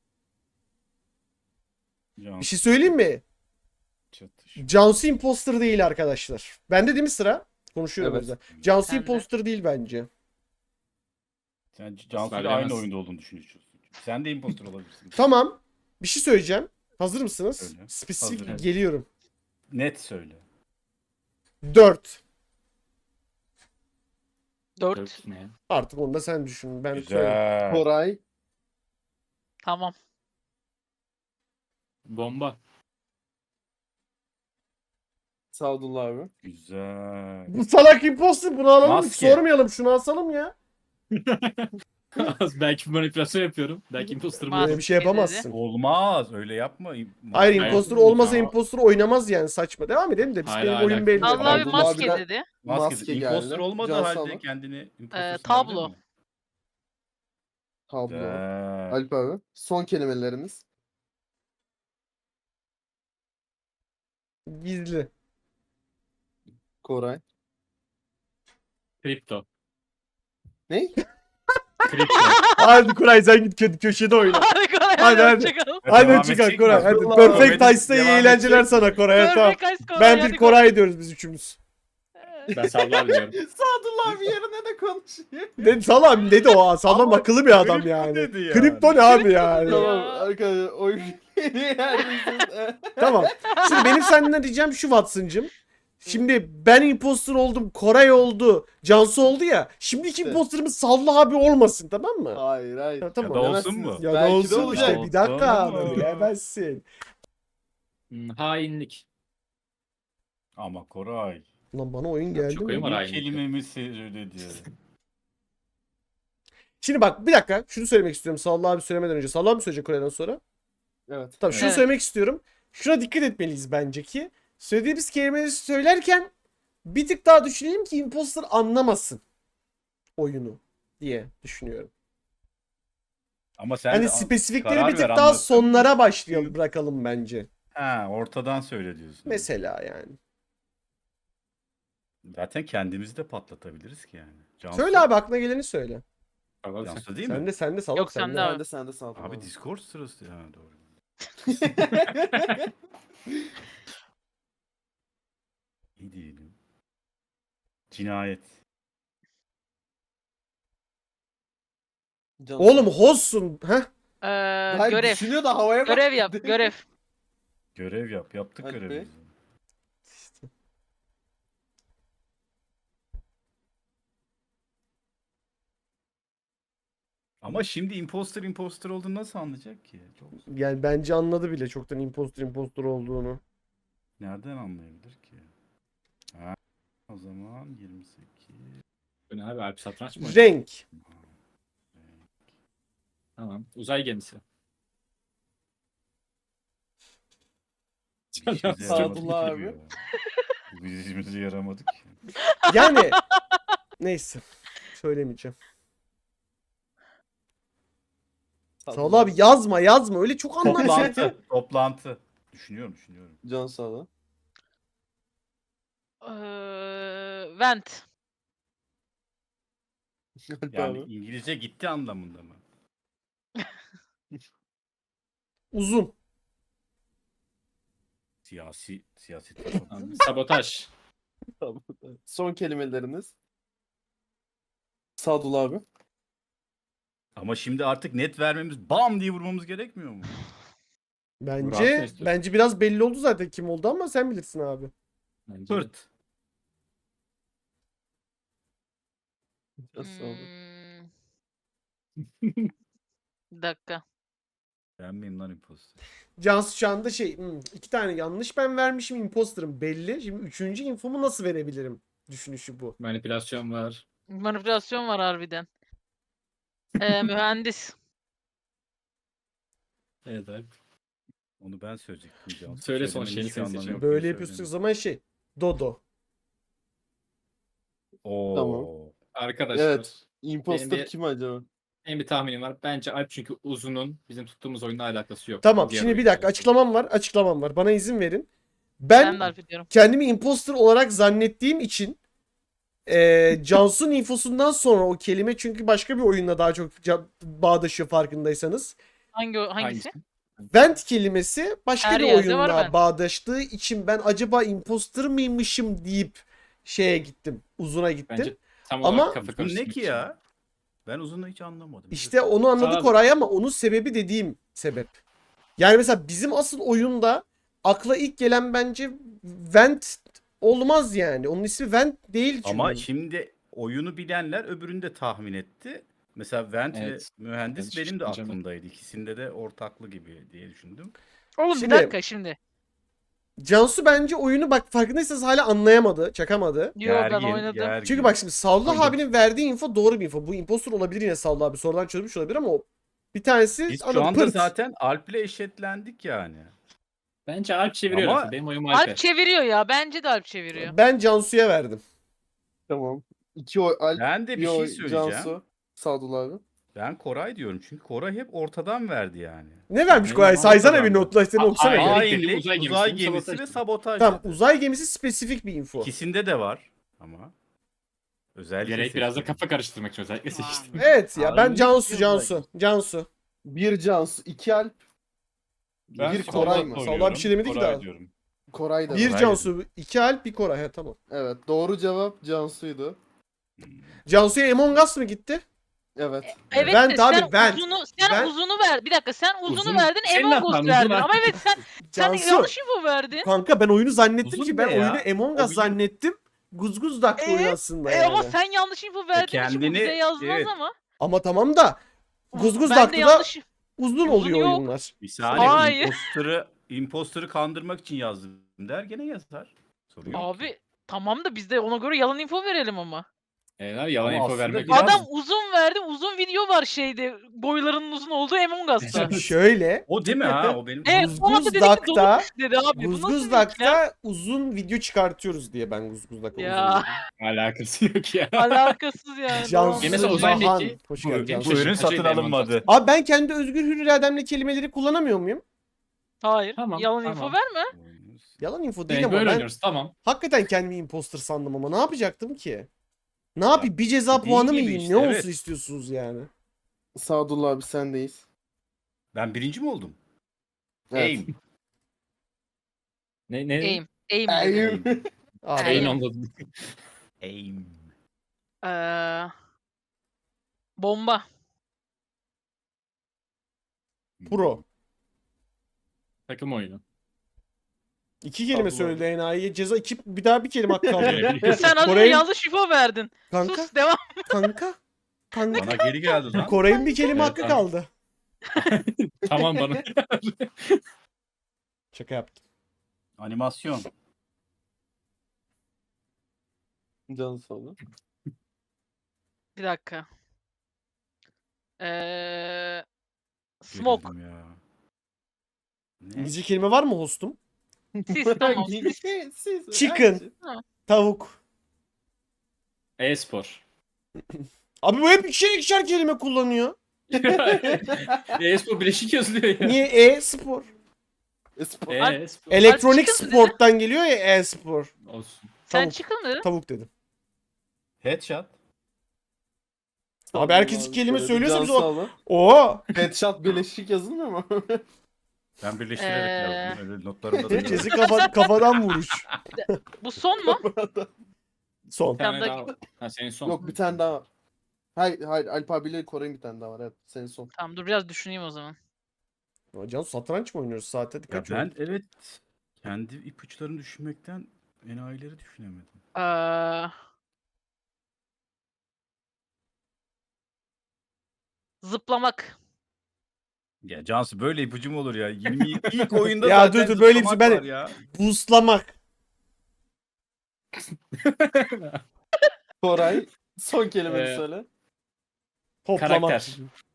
Speaker 2: Can
Speaker 1: Bir şey söyleyeyim mi?
Speaker 2: çatış.
Speaker 1: Cansu imposter değil arkadaşlar. Bende değil mi sıra? Konuşuyorum
Speaker 3: Evet.
Speaker 1: o yüzden. Cansu
Speaker 5: Bende.
Speaker 1: imposter değil bence.
Speaker 2: Sen Cansu'yla
Speaker 4: bilemez.
Speaker 2: aynı oyunda olduğunu düşünüyorsun. Sen de imposter olabilirsin.
Speaker 1: Tamam. Bir şey söyleyeceğim. Hazır mısınız?
Speaker 2: Söyle.
Speaker 1: Spesifik
Speaker 2: Hazırım.
Speaker 1: geliyorum.
Speaker 2: Net söyle.
Speaker 1: 4.
Speaker 5: 4.
Speaker 4: Dört ne?
Speaker 1: Artık onu da sen düşün. Ben söyleyeyim.
Speaker 2: Güzel.
Speaker 3: Koray.
Speaker 5: Tamam.
Speaker 4: Bomba.
Speaker 3: Sadullah abi.
Speaker 2: Güzel.
Speaker 1: Bu salak imposter, bunu alalım. Hiç
Speaker 2: Maske.
Speaker 1: sormayalım. Şunu asalım ya.
Speaker 4: Belki manipülasyon yapıyorum. Belki imposter'ım.
Speaker 5: Maske
Speaker 1: Böyle bir şey
Speaker 5: dedi.
Speaker 1: yapamazsın.
Speaker 2: Olmaz. Öyle yapma.
Speaker 1: Hayır
Speaker 4: Hayır.
Speaker 1: imposter olmasa
Speaker 2: Ya.
Speaker 1: imposter oynamaz yani, saçma. Devam edelim de biz
Speaker 4: Hayır,
Speaker 1: benim
Speaker 4: hayır,
Speaker 1: oyun
Speaker 4: hayır.
Speaker 1: belli.
Speaker 5: Allah abi
Speaker 3: Sadullah
Speaker 5: maske
Speaker 3: abiden-
Speaker 5: dedi.
Speaker 2: Maske
Speaker 3: geldi.
Speaker 2: imposter olmadığı
Speaker 3: Cansu
Speaker 2: halde
Speaker 3: Hanım.
Speaker 2: kendini imposter
Speaker 5: Tablo.
Speaker 2: sanabilir mi?
Speaker 3: Tablo.
Speaker 2: Güzel.
Speaker 3: Alp abi. Son kelimeleriniz.
Speaker 1: Gizli.
Speaker 3: Koray.
Speaker 4: Kripto.
Speaker 3: Ne?
Speaker 4: Kripto.
Speaker 1: Hadi Koray sen git köşede oyna.
Speaker 5: Hadi Koray
Speaker 1: Hadi,
Speaker 5: hadi.
Speaker 1: hadi.
Speaker 5: Hoşçakalın.
Speaker 1: Hadi
Speaker 2: Devam
Speaker 1: çıkar
Speaker 2: edecek
Speaker 1: Koray.
Speaker 2: mi?
Speaker 1: Hadi.
Speaker 3: Allah
Speaker 1: Perfect
Speaker 2: Allah.
Speaker 1: Ice'da iyi
Speaker 2: Devam
Speaker 1: eğlenceler
Speaker 2: edecek
Speaker 1: sana Koray. Tamam.
Speaker 5: Perfect Ice Koray,
Speaker 1: Ben
Speaker 5: hadi
Speaker 1: bir Koray diyoruz biz üçümüz.
Speaker 4: Ben sallar diyorum.
Speaker 3: Sadullah abi yerine de konuşuyor.
Speaker 1: Dedi salam dedi o. Salam
Speaker 2: Ama
Speaker 1: akıllı bir adam
Speaker 2: kripto
Speaker 1: yani.
Speaker 2: dedi yani.
Speaker 1: Kripto ne abi yani?
Speaker 3: Tamam
Speaker 5: Ya.
Speaker 3: arkadaşlar oyun neredesiniz?
Speaker 1: Tamam. Şimdi benim senden diyeceğim şu Watson'cım. Şimdi ben imposter oldum, Koray oldu, Cansu oldu ya. Şimdiki
Speaker 3: Evet.
Speaker 1: imposterımız Sallı abi olmasın, tamam mı?
Speaker 3: Hayır hayır.
Speaker 1: Ya, tamam.
Speaker 2: Ya da olsun mu?
Speaker 1: Ya da
Speaker 3: Belki de
Speaker 1: olsun
Speaker 3: olacak.
Speaker 1: işte, bir dakika
Speaker 2: Olsun.
Speaker 1: abi, bilemezsin.
Speaker 4: Hainlik.
Speaker 2: Ama Koray.
Speaker 1: Lan bana oyun geldi
Speaker 4: çok
Speaker 1: mi?
Speaker 4: oyun var.
Speaker 2: Bir
Speaker 4: aynı.
Speaker 2: kelimemi söyledi.
Speaker 1: Şimdi bak bir dakika şunu söylemek istiyorum Sallı abi söylemeden önce. Sallı abi söyleyecek Koray'dan sonra.
Speaker 3: Evet.
Speaker 1: Tamam şunu
Speaker 5: Evet.
Speaker 1: söylemek istiyorum. şuna dikkat etmeliyiz bence ki söylediğimiz kelimeleri söylerken bir tık daha düşünelim ki imposter anlamasın oyunu diye düşünüyorum.
Speaker 2: Ama sen
Speaker 1: Hani
Speaker 2: de
Speaker 1: spesifikleri
Speaker 2: karar
Speaker 1: bir tık
Speaker 2: ver,
Speaker 1: daha
Speaker 2: anlatsın.
Speaker 1: sonlara başlayalım, bırakalım bence.
Speaker 2: Ha, ortadan söyle diyorsun.
Speaker 1: Mesela yani.
Speaker 2: Zaten kendimizi de patlatabiliriz ki yani. Cansu,
Speaker 1: Söyle abi, aklına geleni söyle.
Speaker 2: Cansu değil
Speaker 1: Sen
Speaker 2: mi?
Speaker 1: de sen de salak
Speaker 5: Yok,
Speaker 1: sen
Speaker 5: sen
Speaker 1: de.
Speaker 5: de abi.
Speaker 3: Ben de sende saldım.
Speaker 2: Abi Discord sırası ya, doğru. İyi diyelim. Cinayet.
Speaker 3: Cansu.
Speaker 1: Oğlum hostsun. Heh.
Speaker 3: Hayır,
Speaker 5: Görev.
Speaker 3: düşünüyor da havaya bak.
Speaker 5: Görev yap. Görev.
Speaker 2: Görev yap. Yaptık
Speaker 3: Hadi be.
Speaker 2: görevimizi. Ama şimdi imposter olduğunu nasıl anlayacak ki? Çok...
Speaker 1: Yani bence anladı bile çoktan imposter olduğunu.
Speaker 2: Nereden anlayabilir ki? Ha, o zaman 28.
Speaker 4: Bu ne abi? Alp satranç mı?
Speaker 1: Renk.
Speaker 4: Tamam. Uzay gemisi.
Speaker 2: Bir işimize yaramadı
Speaker 3: Sadullah
Speaker 2: ki
Speaker 3: abi.
Speaker 2: bu ya. Bu bir işimize yaramadı ki.
Speaker 1: Yani neyse. Söylemeyeceğim. Sağ ol abi, yazma. Öyle çok anlarsın.
Speaker 2: Toplantı. Düşünüyorum.
Speaker 3: Cansu abi.
Speaker 5: Vent.
Speaker 3: Alp
Speaker 2: Yani
Speaker 3: abi.
Speaker 2: İngilizce gitti anlamında mı?
Speaker 1: Uzun.
Speaker 2: Siyaset.
Speaker 4: Tamam. Sabotaj.
Speaker 3: Tamam. Son kelimeleriniz. Sadullah abi.
Speaker 2: Ama şimdi artık net vermemiz, bam diye vurmamız gerekmiyor mu?
Speaker 4: Murat ne
Speaker 1: Bence
Speaker 4: istiyorsun?
Speaker 1: biraz belli oldu zaten kim oldu ama sen bilirsin abi.
Speaker 4: Bence de.
Speaker 2: Pırt.
Speaker 3: Cansu abi.
Speaker 5: Bir dakika.
Speaker 2: Ben miyim lan imposter?
Speaker 1: Cansu şu anda iki tane yanlış ben vermişim, imposter'ım belli. Şimdi üçüncü infomu nasıl verebilirim düşünüşü bu.
Speaker 4: Manipülasyon var.
Speaker 5: Manipülasyon var harbiden. Mühendis.
Speaker 4: Evet Alp.
Speaker 2: Onu ben söyleyecektim Cansu.
Speaker 4: Söyle son
Speaker 2: Söylemenin
Speaker 4: şeyini
Speaker 2: hiçbir
Speaker 4: sen
Speaker 2: anlamı
Speaker 4: seçelim.
Speaker 2: yok diye
Speaker 1: Böyle yapıyorsun o zaman Dodo.
Speaker 2: Oo.
Speaker 3: Tamam.
Speaker 4: Arkadaşlar.
Speaker 3: Evet. Imposter
Speaker 4: Benim bir-
Speaker 3: kim acaba?
Speaker 4: Benim bir tahminim var. Bence Alp, çünkü uzunun bizim tuttuğumuz oyunla alakası yok.
Speaker 1: Tamam,
Speaker 4: Diğer
Speaker 1: şimdi bir
Speaker 4: oyunla
Speaker 1: dakika,
Speaker 4: alakası.
Speaker 1: açıklamam var. Bana izin verin.
Speaker 5: Ben
Speaker 1: Ben
Speaker 5: de harf ediyorum.
Speaker 1: kendimi imposter olarak zannettiğim için Cansu'nun infosundan sonra o kelime, çünkü başka bir oyunla daha çok bağdaşıyor farkındaysanız.
Speaker 5: Hangisi?
Speaker 1: Vent kelimesi başka
Speaker 5: Her
Speaker 1: bir
Speaker 5: yerde var
Speaker 1: oyunla
Speaker 5: vent.
Speaker 1: bağdaştığı için ben acaba imposter mıymışım deyip şeye gittim. Uzuna gittim.
Speaker 4: Bence tam
Speaker 1: Ama-
Speaker 4: olarak kafa
Speaker 2: Bu ne
Speaker 4: karıştırmak
Speaker 2: ki
Speaker 4: için.
Speaker 2: ya? Ben uzunu hiç anlamadım.
Speaker 1: İşte onu anladı
Speaker 4: Abi-
Speaker 1: Koray ama onun sebebi dediğim sebep. Yani mesela bizim asıl oyunda akla ilk gelen bence Vent olmaz yani. Onun ismi Vent değil çünkü.
Speaker 2: Ama şimdi oyunu bilenler öbürünü de tahmin etti. Mesela Vent
Speaker 4: Evet.
Speaker 2: ve mühendis
Speaker 4: Ben
Speaker 2: benim de
Speaker 4: şaşıracağım.
Speaker 2: aklımdaydı. İkisinde de ortaklı gibi diye düşündüm.
Speaker 5: Oğlum
Speaker 1: Şimdi-
Speaker 5: bir dakika şimdi.
Speaker 1: Cansu bence oyunu bak farkındaysanız hala anlayamadı, çakamadı.
Speaker 5: Yo ben oynadım.
Speaker 1: Çünkü bak şimdi Savlı
Speaker 4: Oynadım.
Speaker 1: abinin verdiği info doğru bir info. Bu impostor olabilir yine Savlı abi. Sonradan çözmüş olabilir ama o bir tanesi
Speaker 2: Biz şu
Speaker 1: anladım,
Speaker 2: anda
Speaker 1: pırt.
Speaker 2: zaten Alp'le eşitlendik yani.
Speaker 4: Bence Alp çeviriyor
Speaker 2: Ama-
Speaker 4: lafı. Benim oyum Alp'e.
Speaker 5: Alp çeviriyor ya. Bence de Alp çeviriyor.
Speaker 1: Ben Cansu'ya verdim.
Speaker 3: Tamam. 2 oy Alp.
Speaker 2: Ben de bir
Speaker 3: bir
Speaker 2: şey
Speaker 3: oy
Speaker 2: söyleyeceğim.
Speaker 3: Cansu. Sadullah abi.
Speaker 2: Ben Koray diyorum çünkü Koray hep ortadan verdi yani.
Speaker 1: Ne vermiş
Speaker 4: Benim
Speaker 1: Koray?
Speaker 4: oyum
Speaker 1: Saysana bir
Speaker 2: kazandı.
Speaker 1: notlaştığını okusana.
Speaker 4: Hayır.
Speaker 1: bir.
Speaker 4: Hayır.
Speaker 2: Hainlik,
Speaker 4: dedim,
Speaker 2: uzay
Speaker 4: uzay
Speaker 2: gemisi,
Speaker 4: gemisi, sabotaj
Speaker 2: ve
Speaker 4: dedim.
Speaker 2: sabotaj.
Speaker 1: Tamam,
Speaker 2: dedi.
Speaker 1: uzay gemisi spesifik bir info.
Speaker 2: İkisinde de var ama. Özellikle
Speaker 4: Gerek biraz da
Speaker 2: seçtim.
Speaker 4: kafa karıştırmak için özellikle seçtim.
Speaker 1: Evet ya, ben
Speaker 2: Hainlik
Speaker 1: Cansu.
Speaker 2: diyorlar.
Speaker 1: Cansu.
Speaker 3: 1 Cansu, 2 Alp.
Speaker 2: Ben
Speaker 3: Bir
Speaker 2: Savla
Speaker 3: Koray mı?
Speaker 2: oynuyorum.
Speaker 1: Savla bir şey demedi ki
Speaker 2: Koray
Speaker 1: daha.
Speaker 2: diyorum.
Speaker 3: Koray da
Speaker 1: Bir
Speaker 3: var.
Speaker 1: Cansu, iki Alp, bir Koray. Ha, tamam.
Speaker 3: Evet. Doğru cevap Cansu'ydu.
Speaker 1: Cansu'ya Among Us mı gitti?
Speaker 3: Evet.
Speaker 5: Evet
Speaker 1: Vent
Speaker 5: de
Speaker 1: abi,
Speaker 5: sen
Speaker 1: vent.
Speaker 5: sen
Speaker 1: Vent.
Speaker 5: uzunu ver. Bir dakika sen uzunu
Speaker 4: Uzun-
Speaker 5: verdin,
Speaker 4: Senin
Speaker 5: Among
Speaker 4: hatan,
Speaker 5: Us
Speaker 4: uzun
Speaker 5: verdin.
Speaker 4: artık.
Speaker 5: Ama evet sen
Speaker 1: Cansu.
Speaker 5: yanlış info verdin.
Speaker 1: Kanka ben oyunu zannettim
Speaker 2: Uzun
Speaker 1: ki ben
Speaker 2: ne ya?
Speaker 1: oyunu Among
Speaker 2: O
Speaker 1: Us
Speaker 2: bilim-
Speaker 1: zannettim. Guzguz daktı oyun aslında yani.
Speaker 5: Ama sen yanlış info verdiğin için bu
Speaker 2: kendini-
Speaker 5: bize yazmaz
Speaker 2: evet.
Speaker 5: ama.
Speaker 1: Ama tamam da Guzguz
Speaker 5: Ben de
Speaker 1: daktı da
Speaker 5: yanlış.
Speaker 1: uzun
Speaker 5: Uzun
Speaker 1: oluyor
Speaker 5: yok.
Speaker 1: oyunlar.
Speaker 2: Bir saniye,
Speaker 5: Hayır.
Speaker 2: imposter'ı kandırmak için yazdım der, gene yazar. Sorun yok ki.
Speaker 5: Abi tamam da biz de ona göre yalan info verelim ama.
Speaker 4: Yalan
Speaker 2: Ama
Speaker 4: info
Speaker 2: aslında
Speaker 4: vermek
Speaker 2: biraz-
Speaker 5: Adam uzun verdi. Uzun video var şeyde. Boylarının uzun olduğu Among Us'ta.
Speaker 1: Şöyle.
Speaker 2: O değil mi ha? O benim.
Speaker 5: Evet, o anda dedi ki
Speaker 1: Guzguzdak'ta
Speaker 5: dolmuş dedi abi. Bu nasıl bir ikilem?
Speaker 1: Guzguzdak'ta uzun video çıkartıyoruz diye ben Guzguzdak'ta
Speaker 5: Ya.
Speaker 1: uzun video.
Speaker 4: alakası yok ya.
Speaker 5: Alakasız yani.
Speaker 1: Cansu
Speaker 4: Ya mesela Ozan
Speaker 1: Bahan.
Speaker 4: Beki-
Speaker 1: Hoş
Speaker 2: Bu,
Speaker 1: geldin
Speaker 4: Benim
Speaker 1: Cansu.
Speaker 2: bu ürün
Speaker 4: şaşırtıcıydı
Speaker 2: satın
Speaker 4: Among
Speaker 2: alınmadı.
Speaker 4: Us.
Speaker 1: Abi ben kendi özgür hür irademle kelimeleri kullanamıyor muyum?
Speaker 5: Hayır.
Speaker 4: Tamam,
Speaker 5: Yalan
Speaker 4: tamam.
Speaker 5: info verme.
Speaker 1: Yalan info değil
Speaker 4: Evet,
Speaker 1: ama
Speaker 4: böyle
Speaker 1: ben
Speaker 4: oynuyoruz tamam.
Speaker 1: hakikaten kendimi imposter sandım ama ne yapacaktım ki? Ne yapayım? Bir ceza
Speaker 2: dediğin
Speaker 1: puanı mı
Speaker 2: gibi
Speaker 1: yiyeyim?
Speaker 2: işte,
Speaker 1: Ne
Speaker 2: evet.
Speaker 1: olsun istiyorsunuz yani?
Speaker 3: Sadullah abi sendeyiz.
Speaker 2: Ben birinci mi oldum?
Speaker 3: Evet.
Speaker 2: Aim.
Speaker 4: Ne?
Speaker 5: Aim. Aim.
Speaker 3: Ay,
Speaker 5: dedi.
Speaker 1: Abi,
Speaker 4: Beyin
Speaker 5: Aynen.
Speaker 4: onda.
Speaker 2: Aim.
Speaker 5: Bomba.
Speaker 1: pro.
Speaker 4: Takım oyunu.
Speaker 1: 2 kelime
Speaker 3: Allah.
Speaker 1: söyledi enayiye. Ceza bir daha bir kelime hakkı kaldı.
Speaker 5: Sen az önce
Speaker 1: Kore'nin-
Speaker 5: yanlış info verdin.
Speaker 1: Kanka,
Speaker 5: Sus devam.
Speaker 1: kanka.
Speaker 2: Bana geri geldi lan.
Speaker 1: Kore'nin bir kelime
Speaker 4: Evet,
Speaker 1: hakkı
Speaker 4: abi.
Speaker 1: kaldı.
Speaker 4: Tamam bana.
Speaker 1: Şaka yaptım.
Speaker 2: Animasyon.
Speaker 3: Canı sağ olun.
Speaker 5: Bir dakika. Smoke.
Speaker 2: Gerildim ya. Ne?
Speaker 1: İngilizce kelime var mı hostum?
Speaker 5: Sis tamam.
Speaker 3: Siz-
Speaker 1: Chicken. Tavuk.
Speaker 4: E-spor.
Speaker 1: Abi bu hep ikişer kelime kullanıyor.
Speaker 4: E-spor bileşik yazılıyor ya.
Speaker 1: Niye e-spor?
Speaker 3: Espor.
Speaker 4: E-spor.
Speaker 1: Elektronik
Speaker 5: Chicken dedi.
Speaker 1: sporttan geliyor ya e-spor.
Speaker 4: Olsun.
Speaker 5: Sen
Speaker 1: Tavuk.
Speaker 5: çıkın dedin.
Speaker 1: Tavuk dedim.
Speaker 2: Headshot.
Speaker 1: Abi herkes kelime söylüyorsa
Speaker 3: Can
Speaker 1: biz o...
Speaker 3: sağ olun.
Speaker 1: Oo.
Speaker 3: Headshot birleşik yazılmıyor mu?
Speaker 2: Ben birleştirerek yazdım. Öyle notlarımda da
Speaker 1: Herkesi
Speaker 2: yazdım.
Speaker 1: kafadan vuruş.
Speaker 5: Bu son mu?
Speaker 1: Son.
Speaker 4: Bir tane
Speaker 5: Sen de-
Speaker 4: daha var. Ha senin son.
Speaker 3: Yok bir tane daha var. Hayır Alp abiyle Kore'nin bir tane daha var. Evet senin son.
Speaker 5: Tamam dur biraz düşüneyim o zaman.
Speaker 1: Cansu satranç mı oynuyoruz saate?
Speaker 2: Ya
Speaker 1: Dikkat
Speaker 2: ben evet kendi ipuçlarını düşünmekten enayileri düşünemedim.
Speaker 5: Zıplamak.
Speaker 2: Ya Cansu böyle ipucu mu olur ya? 20 ilk oyunda
Speaker 1: Ya
Speaker 2: zaten
Speaker 1: dur, böyle bir şey-
Speaker 2: zıplamak
Speaker 1: ben-
Speaker 2: var ya.
Speaker 1: Boostlamak.
Speaker 3: Koray son kelimeni
Speaker 4: Ee,
Speaker 3: söyle.
Speaker 1: Toplamak.
Speaker 4: Karakter.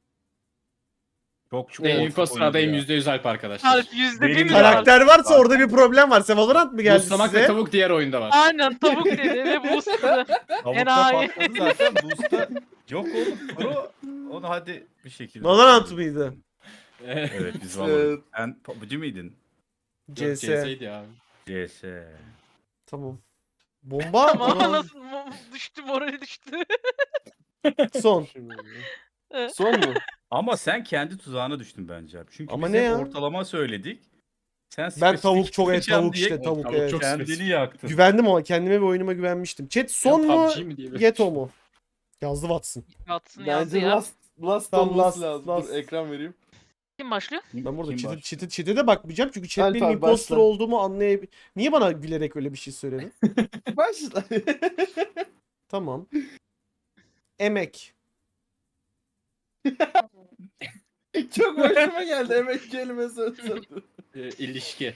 Speaker 2: Çok
Speaker 4: Benim
Speaker 2: ortak
Speaker 4: imposter'dayım
Speaker 2: oyuncu ya.
Speaker 4: %100 Alp arkadaşlar.
Speaker 5: Harf yüzde bir
Speaker 2: Benim
Speaker 5: mi
Speaker 2: de-
Speaker 5: var?
Speaker 1: Karakter varsa orada bir problem var. Sen Valorant mı geldi
Speaker 4: Boostlamak ve
Speaker 1: size?
Speaker 4: tavuk diğer oyunda var.
Speaker 5: Aynen tavuk dedi ve boostladı.
Speaker 2: Tavukta
Speaker 5: Enayi.
Speaker 2: patladı zaten. Boost'ta yok oğlum. Pro. Onu hadi bir şekilde.
Speaker 1: Valorant mıydı?
Speaker 2: Evet biz Valorant.
Speaker 3: Evet.
Speaker 2: Sen PUBG miydin?
Speaker 1: CS.
Speaker 4: CS'ydi abi.
Speaker 2: CS.
Speaker 1: Tamam. Bomba.
Speaker 5: Ama
Speaker 1: Ulan,
Speaker 5: nasıl düştü morali düştü.
Speaker 1: Son.
Speaker 3: Şimdi. Son mu?
Speaker 2: Ama sen kendi tuzağına düştün bence abi. Çünkü
Speaker 1: Ama
Speaker 2: biz
Speaker 1: ne
Speaker 2: hep
Speaker 1: ya?
Speaker 2: ortalama söyledik. Sen
Speaker 1: Ben
Speaker 2: spesifik
Speaker 1: tavuk çok
Speaker 2: yapacağım
Speaker 1: tavuk
Speaker 2: diye
Speaker 1: işte tavuk
Speaker 4: Tavuk
Speaker 1: evet.
Speaker 4: çok-
Speaker 2: kendini
Speaker 4: spesifik.
Speaker 2: yaktın.
Speaker 1: Güvendim ama kendime ve oyunuma güvenmiştim. Chat son mu?
Speaker 4: PUBG mi diye böyle.
Speaker 1: Geto mu? Yazdı Watson.
Speaker 5: Watson yazdı
Speaker 3: Bence
Speaker 5: ya.
Speaker 3: last
Speaker 1: Tamam,
Speaker 3: olması
Speaker 1: last,
Speaker 3: lazım.
Speaker 1: last.
Speaker 3: Dur ekran vereyim.
Speaker 5: Kim başlıyor?
Speaker 1: Ben burada
Speaker 2: Kim var?
Speaker 1: chat'e de bakmayacağım çünkü chat
Speaker 3: Alp
Speaker 1: benim
Speaker 3: abi,
Speaker 1: imposter
Speaker 3: başla.
Speaker 1: olduğumu anlayabilir. Niye bana gülerek öyle bir şey söyledin?
Speaker 3: Başla.
Speaker 1: Tamam. Emek.
Speaker 3: Çok hoşuma geldi emek kelimesi özledim.
Speaker 4: İlişki.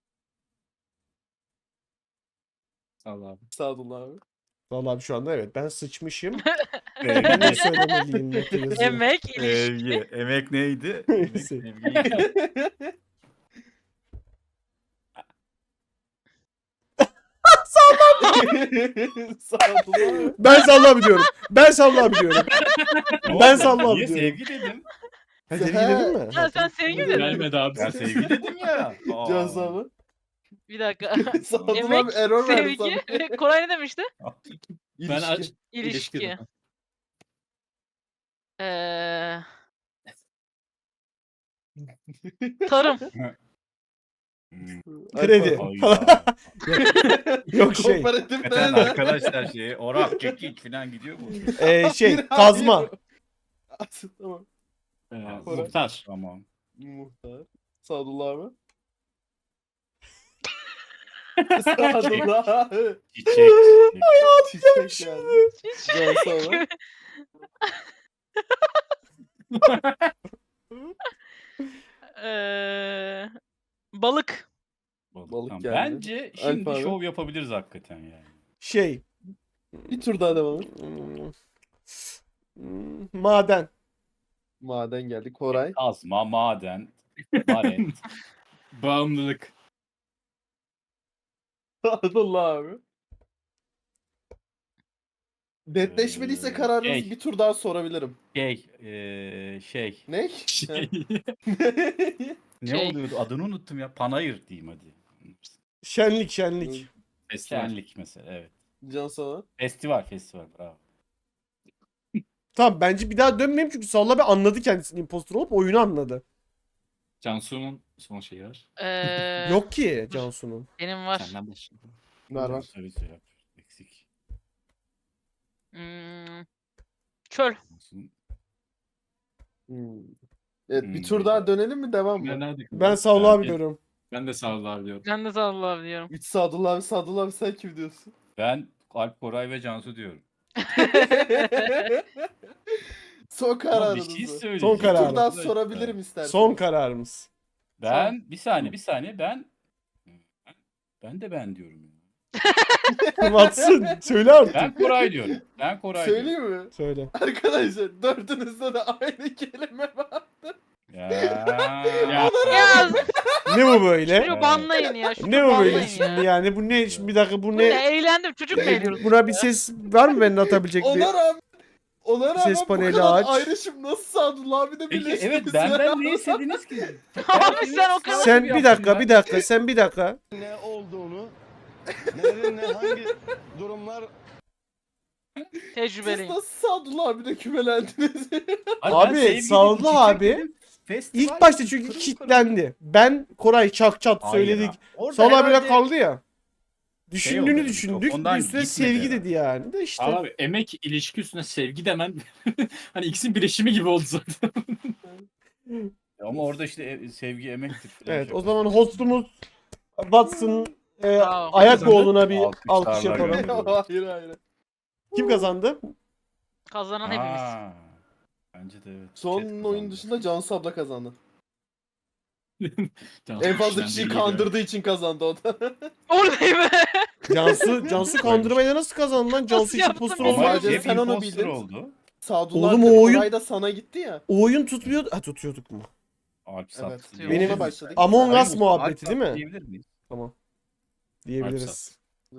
Speaker 4: Sağ ol abi.
Speaker 3: Sadullah abi.
Speaker 1: Vallahi şu anda evet ben sıçmışım.
Speaker 2: Sevgi.
Speaker 1: Ben ne söylemeliyim notu yazıyor.
Speaker 5: Emek, ilişki.
Speaker 2: Sevgi. Emek neydi? Emek
Speaker 1: Sevgi.
Speaker 2: sevgiydi.
Speaker 3: Sadullah abi.
Speaker 1: Ben Sallı diyorum. Ben Sallı diyorum.
Speaker 2: Ne oldu?
Speaker 1: Ben Sallı
Speaker 2: Niye
Speaker 1: diyorum.
Speaker 2: sevgi dedim?
Speaker 1: Ha sevgi dedin mi?
Speaker 5: Ha, sen sevgi dedin.
Speaker 4: Gelmedi abi.
Speaker 2: Ben sevgi dedim ya. Aa.
Speaker 3: Cansu abi.
Speaker 5: Bir dakika.
Speaker 3: Sadullah
Speaker 5: Emek,
Speaker 3: abi error verdi
Speaker 5: sevgi.
Speaker 3: sana.
Speaker 5: ve Koray ne demişti?
Speaker 4: Ben
Speaker 3: İlişki.
Speaker 5: İlişki.
Speaker 4: dedim.
Speaker 5: Tarım.
Speaker 1: Kredi.
Speaker 2: Hayda.
Speaker 1: Yok şey.
Speaker 3: Kooperatif
Speaker 2: Hakikaten
Speaker 3: ne?
Speaker 2: arkadaşlar şey orak kekik falan gidiyor mu?
Speaker 1: Şey kazma.
Speaker 3: Tamam.
Speaker 4: Muhtar.
Speaker 2: Tamam.
Speaker 3: Muhtar. Sadullah abi. Sadullah abi.
Speaker 2: Çiçek.
Speaker 3: Çiçek yani. Cansu abi.
Speaker 5: Balık.
Speaker 3: Balık
Speaker 2: Tamam.
Speaker 3: geldi.
Speaker 2: Bence şimdi
Speaker 3: Alp abi.
Speaker 2: şov yapabiliriz hakikaten yani.
Speaker 1: Şey.
Speaker 3: Bir tur daha devam et.
Speaker 1: Maden.
Speaker 3: Maden geldi. Koray.
Speaker 2: Kazma, maden, baret.
Speaker 4: Bağımlılık.
Speaker 3: Sadullah abi. Netleşmediyse kararınızı
Speaker 2: Şey.
Speaker 3: bir tur daha sorabilirim.
Speaker 2: Şey.
Speaker 3: Ne?
Speaker 4: Şey.
Speaker 2: Ne
Speaker 5: Şey.
Speaker 2: oluyordu? Adını unuttum ya. Panayır diyeyim hadi.
Speaker 1: Şenlik şenlik.
Speaker 4: Festival.
Speaker 2: Şenlik mesela, evet.
Speaker 3: Can sana.
Speaker 2: Festival, bravo.
Speaker 1: Tamam bence bir daha dönmeyeyim çünkü Salla bir anladı kendisinin impostor olup oyunu anladı.
Speaker 4: Cansu'nun son şeyi var.
Speaker 1: Yok ki Cansu'nun.
Speaker 5: Benim var.
Speaker 4: Senden başla.
Speaker 3: Var.
Speaker 2: Söyle. Eksik.
Speaker 5: Çöl.
Speaker 3: Hmm. Evet bir
Speaker 2: Hmm.
Speaker 3: tur daha dönelim mi devam
Speaker 4: Ben
Speaker 3: mı?
Speaker 4: nerede?
Speaker 1: Ben Salla abi diyorum.
Speaker 4: Ben de Sadullah abi diyorum.
Speaker 5: Ben de Sadullah abi diyorum.
Speaker 3: 3 Sadullah abi sen kim diyorsun?
Speaker 2: Ben Alp, Koray ve Cansu diyorum.
Speaker 3: Son
Speaker 2: Ama bir
Speaker 3: kararınızı.
Speaker 2: şey söyleyeceğim.
Speaker 1: Son
Speaker 3: Bir
Speaker 1: karar.
Speaker 3: tur daha sorabilirim istersen.
Speaker 1: Son kararımız.
Speaker 2: Ben bir saniye ben de ben diyorum.
Speaker 1: Watson söyle artık.
Speaker 2: Ben Koray diyorum. Ben Koray diyorum.
Speaker 3: Söyleyeyim mi?
Speaker 1: Söyle.
Speaker 3: Arkadaşlar dördünüzde de aynı kelime var.
Speaker 2: Ya.
Speaker 5: Ya
Speaker 1: Ne bu böyle?
Speaker 5: çocuğu banlayın ya. Çocuğu
Speaker 1: Ne bu böyle
Speaker 5: banlayın
Speaker 1: şimdi
Speaker 5: ya.
Speaker 1: yani? Bu ne? Şimdi bir dakika bu
Speaker 5: Bu
Speaker 1: ne?
Speaker 5: ne? Eğlendim. Çocuk mu eğleniyoruz?
Speaker 1: Buna bir ses var mı benim atabilecek bir?
Speaker 3: Ona rağmen
Speaker 1: Ses
Speaker 3: bu
Speaker 1: paneli
Speaker 3: kadar
Speaker 1: aç.
Speaker 3: ayrışım nasıl Sadullah abi de
Speaker 2: Peki
Speaker 3: birleştiniz
Speaker 2: evet
Speaker 3: ya?
Speaker 2: benden ne istediniz ki?
Speaker 5: Abi sen o kadar...
Speaker 1: Sen bir dakika. Sen bir dakika.
Speaker 6: Ne olduğunu, nelerin hangi durumlar
Speaker 3: Siz
Speaker 5: Tecrübeliyim.
Speaker 3: nasıl Sadullah abi de kümelendiniz?
Speaker 1: Abi, Sadullah abi İlk başta çünkü kitlendi. Ben Koray çak çat söyledik. Salla abiyle kaldı ya. Düşündüğünü
Speaker 2: oldu,
Speaker 1: düşündük.
Speaker 2: ondan
Speaker 1: Üstüne
Speaker 2: gitmedi
Speaker 1: sevgi
Speaker 2: herhalde.
Speaker 1: dedi yani. De işte.
Speaker 4: Abi emek ilişki üstüne sevgi demen hani ikisinin birleşimi gibi oldu zaten.
Speaker 2: Ama orada işte sevgi emektir.
Speaker 1: Evet o zaman hostumuz Watson
Speaker 5: Bravo.
Speaker 1: Ayakoğlu'na bir
Speaker 2: Alkışlarla
Speaker 1: alkış yapalım.
Speaker 2: gönderiyorum.
Speaker 3: hayır.
Speaker 1: Kim kazandı?
Speaker 5: Kazanan hepimiz.
Speaker 2: Aa, bence de evet.
Speaker 3: Son
Speaker 2: Chat
Speaker 3: oyun
Speaker 2: kazandı.
Speaker 3: dışında Cansu abla kazandı.
Speaker 4: Cansu
Speaker 3: En fazla
Speaker 4: işten
Speaker 3: kişiyi
Speaker 4: değil
Speaker 3: kandırdığı için kazandı o da.
Speaker 5: Oradayım.
Speaker 1: Cansu kandırmayla nasıl kazandı lan? Cansu hiç
Speaker 5: yaptım
Speaker 1: impostor
Speaker 5: ben?
Speaker 1: olmadı.
Speaker 3: Sadece
Speaker 2: Hep
Speaker 3: sen onu
Speaker 2: imposter
Speaker 3: bildin.
Speaker 2: oldu.
Speaker 3: Sadullah
Speaker 1: Oğlum,
Speaker 3: abi de
Speaker 1: o oyun-
Speaker 3: Koray da sana gitti ya.
Speaker 1: O oyun tutmuyordu. Ha tutuyorduk mu?
Speaker 2: Alp
Speaker 3: Evet.
Speaker 2: sattı.
Speaker 5: Benim-
Speaker 3: Ona başladık.
Speaker 1: Among
Speaker 2: Sayın
Speaker 1: Us
Speaker 2: Mustafa,
Speaker 1: muhabbeti
Speaker 2: Alp
Speaker 1: değil mi?
Speaker 2: sattı diyebilir miyiz?
Speaker 1: Tamam. Diyebiliriz.